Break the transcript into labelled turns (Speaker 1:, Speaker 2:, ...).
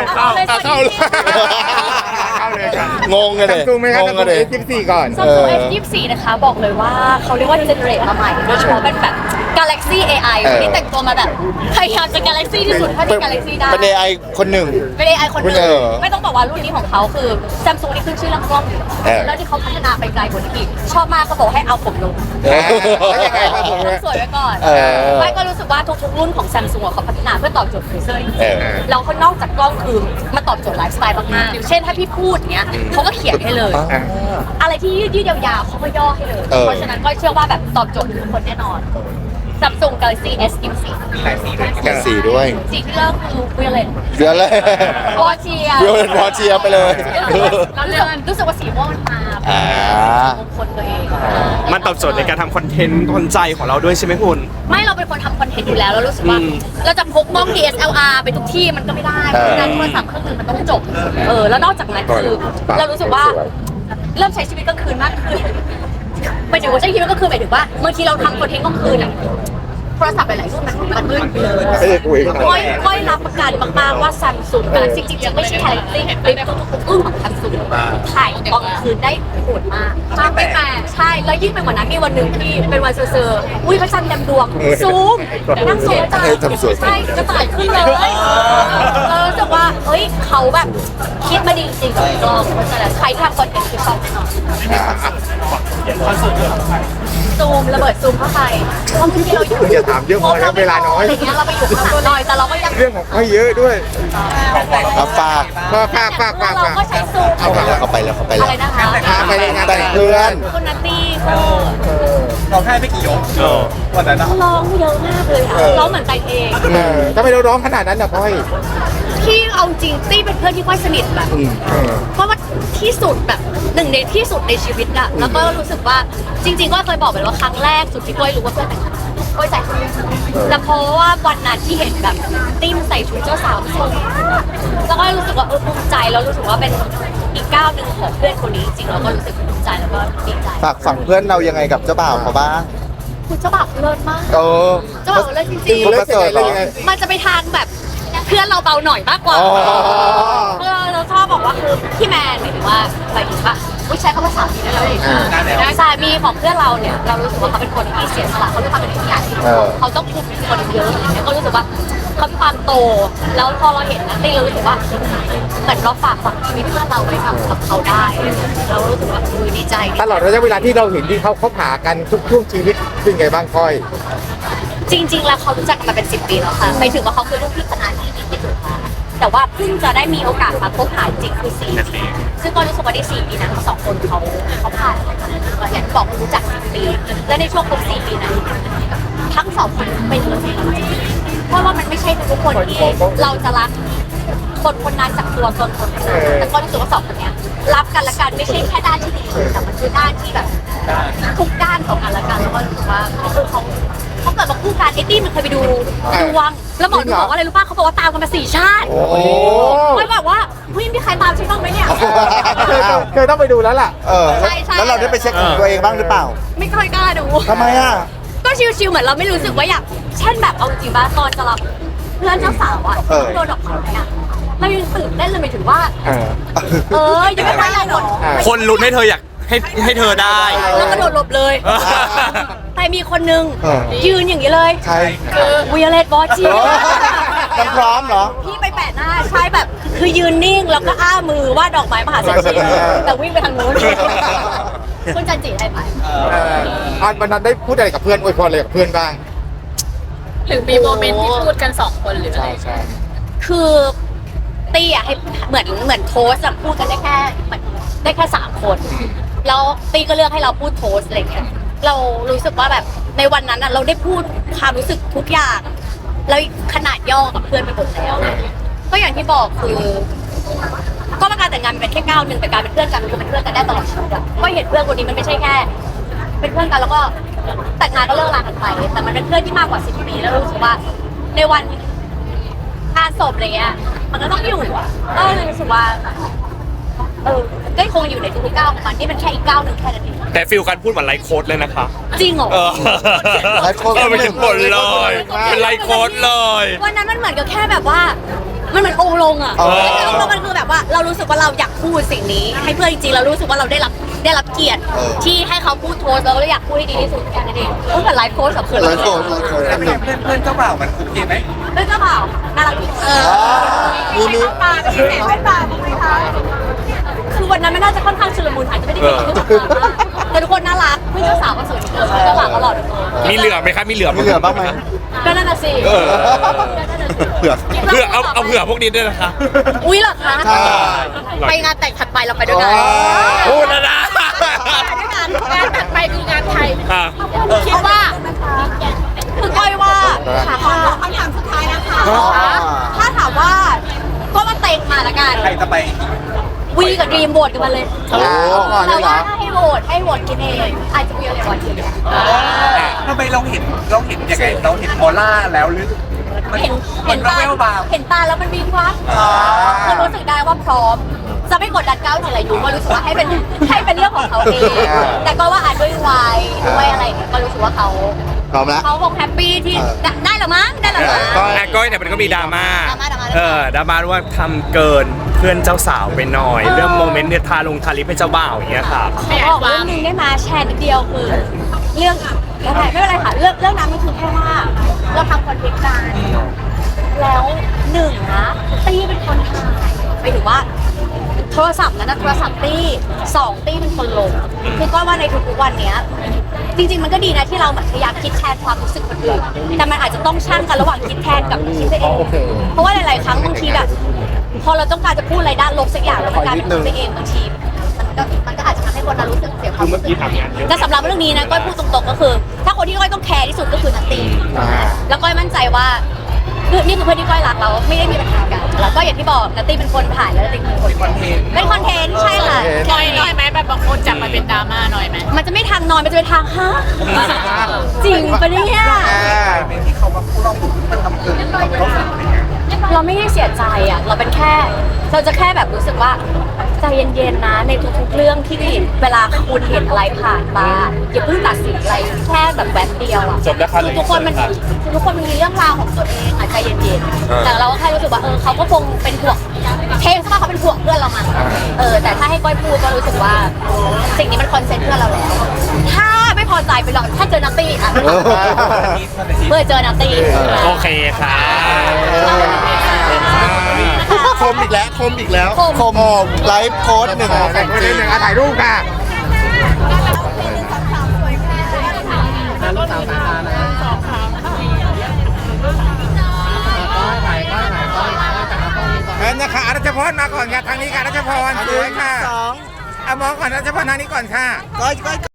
Speaker 1: เข้าเลยเข้าเลยครับงงกันเลย
Speaker 2: ไหมครับงง S24 ก่อน
Speaker 3: Samsung S24 นะคะบอกเลยว่าเขาเรียกว่าเจเนเรตมาใหม่โดยเฉพาะเป็นแบบ Galaxy AI วันนี้แต่งตัวมาแบบพยายามจะ Galaxy ที่สุดเท่าที่ Galaxy ได้
Speaker 1: เป็น AI คนหนึ่ง
Speaker 3: เป็น AI คนหนึ่งไม่ต้องบอกว่ารุ่นนี้ของเขาคือ Samsung นี่ขึ้นชื่อเรื่องกล้องแล้วที่เขาพัฒนาไปไกลกว่านี้อีกชอบมากเขาบอกให้เอาผมลง
Speaker 2: แล้วยังไงครับผม
Speaker 3: ต้องสวยไว้ก่อนไม่ก็รู้สึกว่าทุกๆรุ่นของ Samsung เขาพัฒนาเพื่อตอบโจทย์ยูเซอร์แล้วเขานอกจากกล้องคือมาตอบโจทย์ไลฟ์สไตล์มากๆอย่างเช่นถ้าพี่พูดเนี้ยเขาก็เขียนให้เลยอะไรที่ยืดยาวๆเขาก็ย่อให้เลยเพราะฉะนั้นก็เชื่อว่าแบบตอบโจทย์ทุกคนแน่นอนSamsung Galaxy S24
Speaker 1: กันสีด้วย
Speaker 3: สีที่เริ่มคือ Violet
Speaker 1: เดือนเลยว
Speaker 3: อเชีย
Speaker 1: Violet วอเชียไปเลย
Speaker 3: รู้สึกว่าสีม่วงมันมามงคลตัวเอง
Speaker 4: มันตอบโจทย์ในการทำคอนเทนต์คนใจของเราด้วยใช่ไหมคุณ
Speaker 3: ไม่เราเป็นคนทำคอนเทนต์อยู่แล้วเรารู้สึกว่าเราจะพกกล้อง DSLR ไปทุกที่มันก็ไม่ได้การโทรศัพท์เครื่องนึงมันต้องจบแล้วนอกจากนั้นคือเรารู้สึกว่าเริ่มใช้ชีวิตกลางคืนมากขึ้นหมายถึงว่าใช้ชีวิตก็คือหมายถึงว่าบางทีเราทำคอนเทนต์กลางคืนอ่ะโทรศัพท์หลายๆรุ่นมันมืดไปเลยค่อยรับประกันมากๆว่า Samsung จริงๆไม่ใช่แค่คลิปทุกๆรุ่นของ Samsung ถ่ายตอนกลางคืนได้โหดมากไม่แปลกใช่แล้วยิ่งเป็นวันนั้นมีวันหนึ่งที่เป็นวันเซอร์อุ้ยพระจันทร์เต็มดวงซูมนั่งซูมจ้าใช่กระต่ายขึ้นเลยรู้สึกว่าเฮ้ยเขาแบบคิดมาดีจริงกับกล้องเพราะฉะนั้นใครทำคอนเทนต์คือชอบแน่นอนซูมระเบิดซูมเข้าไปเพราะบางทีเราอยู่
Speaker 2: อย่าถามเยอะพอแล้วเวลาน้อย
Speaker 3: อย่างเงี้ยเราไปอยู่ข้างหลังหน่อยแต่เราก็ยัง
Speaker 2: เรื่องของเขาเยอะด้วย
Speaker 1: ฝาก
Speaker 3: เราก็ใช้ซูม
Speaker 1: เขาไปแล้ว
Speaker 3: อะไรนะคะ
Speaker 2: ไปเลยงาน
Speaker 1: แต่งเพื่อน
Speaker 3: คุณนัตตี้ก็
Speaker 4: เราแค่ไม่กี่ยกวันนั้น
Speaker 3: ร้องเยอะมากเลยค่ะร้องเหมือนแต่งเอง
Speaker 2: ทำไมเราร้องขนาดนั้นนะพ่อย
Speaker 3: ที่เอาจริงตี้เป็นเพื่อนที่ค่อยสนิทแบบเพราะว่าที่สุดแบบหนึ่งในที่สุดในชีวิตอะแล้วก็รู้สึกว่าจริงๆก็เคยบอกไปว่าครั้งแรกสุดที่ก้อยรู้ว่าเพื่อนแต่งก้อยใส่ชุดแล้วเพราะว่าวันนั้นที่เห็นแบบตี้มันใส่ชุดเจ้าสาวสวยแล้วก็รู้สึกว่าภูมิใจแล้วรู้สึกว่าเป็นอีกก้าวหนึ่งของเพื่อนคนนี้จริงๆเราก็รู้สึกภูมิใจแล้วก็ดีใจ
Speaker 1: ฝากฝั่งเพื่อนเรายังไงกับเจ้าบ่าวเขาบ้าง
Speaker 3: คุณเจ้าบ่าวเลิศมากเจ้าบ่าวเลิศจริงๆมันจะไปทางแบบเพื่อนเราเบาหน่อยมากกว่าเราชอบบอกว่าคือพี่แมนหมายถึงว่าอะไรอีกปะใช้คำว่าสามีได้แล้วสามีของเพื่อนเราเนี่ยเรารู้สึกว่าเขาเป็นคนที่เสียสละเขาเป็นคนที่ใหญ่เขาต้องคุมคนเยอะอย่างเงี้ยก็รู้สึกว่าเขามีความโตแล้วพอเราเห็นนะตี้เรารู้สึกว่าเหมือนเราฝากฝังชีวิตเพื่อนเราไปทำกับเขาได้เรารู้สึกว่าดีใจ
Speaker 2: ตลอดระยะเวลาที่เราเห็นที่เขาผ่ากันทุกช่วงชีวิตเป็นไงบ้างก้อย
Speaker 3: จริงๆแล้วเขารู้จักกันมาเป็น10 ปีแล้วค่ะหมายถึงว่าเขาคือลูกพี่คณะที่ดีที่สุดค่ะแต่ว่าเพิ่งจะได้มีโอกาสมาพบหาจริงคือ4 ปีซึ่งก็รู้สึกว่าใน4 ปีนั้น2 คนเขาผ่านอย่างที่บอกรู้จัก10 ปีและในช่วงครบ4 ปีนั้นทั้ง2 คนเป็นเลยเพราะว่ามันไม่ใช่ทุกคนที่เราจะรักคนนั้นจากตัวตนคนนั้นแต่ก็รู้สึกว่า2 คนเนี้ยรับกันและกันไม่ใช่แค่ด้านที่ดีแต่มันคือด้านที่แบบทุกด้านของกันและกันแล้วก็รู้สึกว่าคือเขาเกิดมาคู่กันตี้มันเคยไปดูดวงแล้วหมอดูบอกว่าอะไรรู้ป่ะเขาบอกว่าตามกันมา4 ชาติไม่แบบว่าเฮ้ยมีใครตามฉันบ้างไหมเนี่ย
Speaker 2: เคยต้องไปดูแล้วล่ะ
Speaker 3: ใช่
Speaker 1: แล้วเราได้ไปเช็คของตัวเองบ้างหรือเปล่า
Speaker 3: ไม่เคยกล้าดู
Speaker 1: ทำไมอ่ะ
Speaker 3: ก็ชิวๆเหมือนเราไม่รู้สึกว่าอยากเช่นแบบเอาจริงป่ะตอนจะรับเพื่อนเจ้าสาวอ่ะโดนดอกไม้อ่ะเรายังตื่นเต้นเลยหมายถึงว่ายังไม่ได้หรอก
Speaker 4: คนลุ้นให้เธออยากให้เธอได้
Speaker 3: แล้วก็โดดหลบเลยแต่มีคนนึงยืนอย่างนี้เลย
Speaker 1: ใคร
Speaker 3: วิโอเลตบอสจี
Speaker 1: มันพร้อมเหรอ
Speaker 3: พี่ไปแปะหน้าใช่แบบคือยืนนิ่งแล้วก็อ้ามือว่าดอกไม้มหาเศรษฐีแต่วิ่งไปทางนู้นคุณจันจิให้ไป
Speaker 2: วันนั้นได้พูดอะไรกับเพื่อนอวยพรอะไรกับเพื่อนบ้าง
Speaker 3: หรือมีโมเมนต์ที่พูดกัน2 คนหรืออะไรคือตี้อะให้เหมือนโทสอะพูดกันได้แค่3 คนแล้วตี้ก็เลือกให้เราพูดโทสอะไรเงี้ยเรารู้สึกว่าแบบในวันนั้นอะเราได้พูดความรู้สึกทุกอย่างแล้วขนาดย่อกับเพื่อนไปหมดแล้วก็อย่างที่บอกคือก็การแต่งงานมันเป็นแค่ก้าวหนึ่งแต่การเป็นเพื่อนกันมันเป็นเพื่อนกันได้ตลอดชีวิตอะก็เห็นเพื่อนคนนี้มันไม่ใช่แค่เป็นเพื่อนกันแล้วก็แต่งงานก็เลิกลากันไปแต่มันเป็นเพื่อนที่มากกว่า10 ปีแล้วรู้สึกว่าในวันงานศพอะไรเงี้ยมันก็ต้องอยู่อ่ะก็เลยรู้สึกว่าก็คงอยู่ในทุกก้าวของมันนี่เป็นแค่อีกก้าวหนึ่งแค่นั้นเอง
Speaker 4: แต่ฟิลการพูดเหมือนไลฟ์โค้ดเลยนะคะ
Speaker 3: จริงเหรอ
Speaker 1: ไลฟ์โค้ด
Speaker 4: ไม่ถึงหมดเลยเป็นไลฟ์โค้ดเลย
Speaker 3: วันนั้นมันเหมือนกับแค่แบบว่ามันเหมือนองค์ลงอ่ะ
Speaker 2: อ๋อ
Speaker 3: ไม่ใช่องค์ลงมันคือแบบว่าเรารู้สึกว่าเราอยากพูดสิ่งนี้ ให้เพื่อนจริงๆเรารู้สึกว่าเราได้รับเกียรติที่ให้เขาพูดโทสเราก็เลยอยากพูดให้ดีที่สุดแค่นั้นเองก็เหมือนไลฟ์โค้ชกับเพื่อน
Speaker 2: หลายคนหลายคน
Speaker 5: แล้วเป็นไงเพื่อนเจ้าบ่าวมันโอเคไหม
Speaker 3: เพื่อนเจ้าบ่าวน่ารักดีมีตาเป็นพิเศษไม่ตาบ้างไหมคะคือวันนั้นมันน่าจะค่อนข้างชุลมุนอาจจะไม่ได้เป็นทุกคนแต่ทุกคนน่ารักเพื่อนเจ้าสาวก็สวยเพื่อนเจ้าบ่าวก็หล่อทุกคน
Speaker 4: มีเหลือไหมครับมีเหลือไหม
Speaker 2: มีเหลือบ้างไหม
Speaker 3: ก็นั่นน่ะสิ
Speaker 2: เผือก
Speaker 4: เผื่อเอาเผื่อพวกนี้ด้วยนะคะ
Speaker 3: อุ้ยเหรอคะ
Speaker 2: ใช่
Speaker 3: ไปงานแต่งถัดไปเราไปด้วยกัน
Speaker 4: พูดแล้วนะ
Speaker 3: ไปด้วยกันงานถัดไปคืองานไทย
Speaker 4: อ่ะ
Speaker 3: คิดว่าคือก้อยว่าถามว่าคำถามสุดท้ายนะคะถ้าถามว่าก็มาเต็งมาละกัน
Speaker 5: ใครจะไป
Speaker 3: วีกับดรีมโหวตกันมาเลย
Speaker 2: โอ้ก่อนเล
Speaker 3: แต่
Speaker 2: ยเหร
Speaker 3: ว่า
Speaker 2: อ
Speaker 3: ให้โหวตกินเองอาจจะมีอะไรก่อนที
Speaker 5: ทำไมเราเห็นยังไงเราเห็นออร่าแล้วหรือมัน
Speaker 3: เห็น
Speaker 5: มัน
Speaker 3: ตา
Speaker 5: แววๆบาง
Speaker 3: เห็นตาแล้วมันมีวับคือรู้สึกได้ว่าพร้อม จะไม่กดดันก้าวถึงอะไรอยู่ว่ารู้สึกว่าให้เป็นเรื่องของเขาเองแต่ก็ว่าอาจด้วยวัยด้วยอะไรเนี่ยก็รู้สึกว่าเขา
Speaker 2: พร้อมแล้ว
Speaker 3: เขาคงแฮปปี้ที่ได้หรอมั้งได้หรอมั้ง
Speaker 4: แต่ก้อยเนี่ยมันก็มีดราม่า
Speaker 3: ดราม่า
Speaker 4: ดราม่าว่าทำเกินเพื่อนเจ้าสาวไปหน่อย เรื่องโมเมนต์เนี่ยทาลิปให้เจ้าบ่าวอย่างเงี้ยครับ
Speaker 3: ขอบอกเรื่องนึงได้มาแชร์นิดเดียวคือเรื่องไม่เป็นไรค่ะเรื่องนั้นมันคือแค่ว่าเราทำคอนเทนต์กันแล้วหนึ่งนะตี้เป็นคนถ่ายไปถึงว่าโทรศัพท์นั้นนะโทรศัพท์ตี้สองตี้เป็นคนลงคือก็ว่าในทุกๆวันเนี้ยจริงๆมันก็ดีนะที่เราแบบพยายามคิดแทนความรู้สึกคนอื่นแต่มันอาจจะต้องชั่งกันระหว่างคิดแทนกับคิดไปเองเพราะว่าหลายๆครั้งบางทีแบบพอเราต้องการจะพูดอะไรด้านลบสักอย่างแล้วมันกลายเป็นคิดไปเองบางทีมันก็อาจจะทำให้คนเรารู้สึกเสียความรู้สึกแต่สำหรับเรื่องนี้นะก้อยพูดตรงๆก็คือ ถ้าคนที่ก้อยต้องแคร์ที่สุดก็คือนัตตี้แล้วก้อยมั่นใจว่านี่คือเพื่อนที่ก้อยรักเราไม่ได้มีปัญหากันแล้วก็อย่างที่บอกนัตตี้เป็นคนถ่ายแล้วนัตตี้เป็นคน
Speaker 5: คอนเทนต์
Speaker 3: เป็นคอนเทนต์ใช่ค่ะ
Speaker 6: น้อยไหมแบบบางคนจับมาเป็นดราม่าน้อยไหม
Speaker 3: มันจะไม่ทางนอนมันจะเป็นทางฮะจริงปะเนี่ย
Speaker 5: เป็นที่เขามาพูดเรามันทำเกินเราสั่งอะไรเงี้ย
Speaker 3: เราไม่ได้เสียใจอ่ะเราเป็นแค่เราจะแค่แบบรู้สึกว่าใจเย็นๆนะในทุกๆเรื่องที่เวลาคุณเห็นอะไรผ่านมาอย่าเพิ่งตัดสินอะไรแค่แบบแวบเดียวอ่ะทุกคนมันมีเรื่องราวของตัวเองอ่ะใจเย็นๆแต่เราก็แค่รู้สึกว่าเขาก็คงเป็นห่วงเทงซะว่าเขาเป็นห่วงเพื่อนเรามันแต่ถ้าให้ก้อยพูดก็รู้สึกว่าสิ่งนี้มันคอนเซ็ปต์เพื่อนเราแล้วถ้าไม่พอใจไปลองถ้าเจอนัตตี้อ่ะเมื่อเจอนัตตี้
Speaker 4: โอเคครับ
Speaker 2: คมอีกแล้วคมอีกแล้วคมไลฟ์โค้ดหนึ่ง
Speaker 1: แต่งคนที่หนึ่งถ่ายรูปค่ะ เชิญนะคะอรัชพรมาก่อนค่ะทางนี้ค่ะอรัชพรสวยค่ะเอามองก่อนอรัชพรทางนี้ก่อนค่ะ
Speaker 2: ก้อย